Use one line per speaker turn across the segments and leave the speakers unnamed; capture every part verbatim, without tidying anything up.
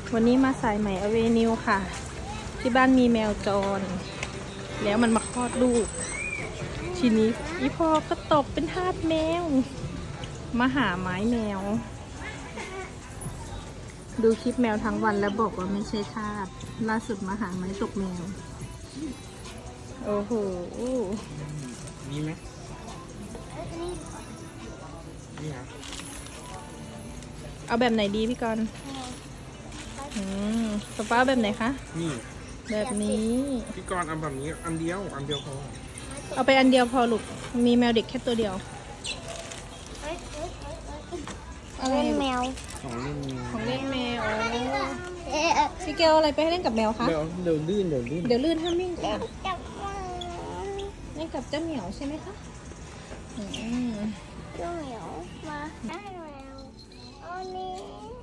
วันนี้มาสายใหม่อเวนิวค่ะที่บ้านมีแมวจรแล้วมันมาคลอดลูกทีนี้อีพ่อก็ตกเป็นทาสแมวมาหาไม้แมวดูคลิปแมวทั้งวันแล้วบอกว่าไม่ใช่ทาสล่าสุดมาหาไม้ตกแมวโอ้โห
มีไหมนี่ครับ
เอาแบบไหนดีพี่กรณ์อืมป๊าป๊าแบบไหนคะ
นี่
แบบนี้
พี่กรณ์เอาแบบนี้อันเดียวอันเดียวพอ
เอาไปอันเดียวพอลูกมีแมวเด็กแค่ตัวเดียว
เล่นแมว
ของเล่นแมว
ของเล่นแมวพี่เกลอะไรไปให้เล่นกับแมวคะ
เดี๋ยวเดี๋ยวลื่นเดี๋ยวลื่น
เดี๋ยวลื่นห้ามวิ่งค่ะเล่นกับเจ้าเหมียวใช่ไหมคะอืม
เจ้าเหมียวมาได้แล้วอันนี้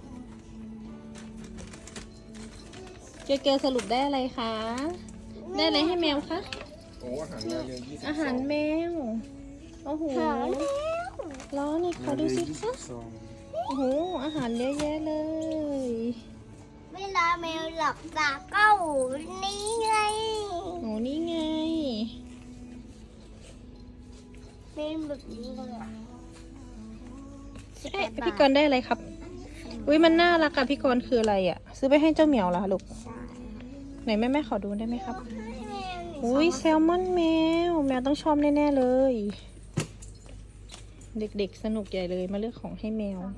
เกลเกลสรุปได้อะไรคะได้อะไรให้แมวคะ
โอ้อาหารแมวเยอะยี่สิบ
อาหารแมวโอ้โหล้อนี่ขอดูสิคะโอ้โหอาหารเยอะแยะเลย
เวลาแมวหลับตาก็นี่ไง
โอ้นี่ไง
เป็นแบบนี้เลย
เอ๊ะพี่กรณ์ได้อะไรครับอุ้ยมันน่ารักอะพี่กรณ์คืออะไรอะซื้อไปให้เจ้าเหมียวเหรอคะลูกไหนแม่แม่ขอดูได้ไหมครับอุ้ยแซลมอนแมวแมวต้องชอบแน่ๆเลยเด็กๆสนุกใหญ่เลยมาเลือกของให้แมว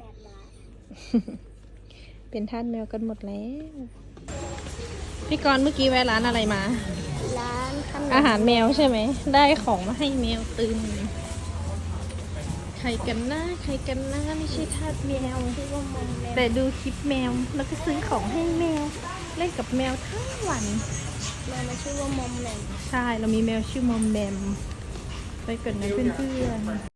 เป็นทาสแมวกันหมดแล้วพี่กรณ์เมื่อกี้แวะร้านอะไรมา
ร้าน
อาหารแมวใช่ไหมได้ของมาให้แมวตื่นใครกันนะใครกันนะไม่ใช่ทาสแมวแต่ดูคลิปแมวแล้วก็ซื้อของให้แมวเล่นกับแมวทั้งวัน
แมวมันชื่อว่ามอมแมม
ใช่เรามีแมวชื่อมอมแมมไปก่อนนะเพื่อนๆ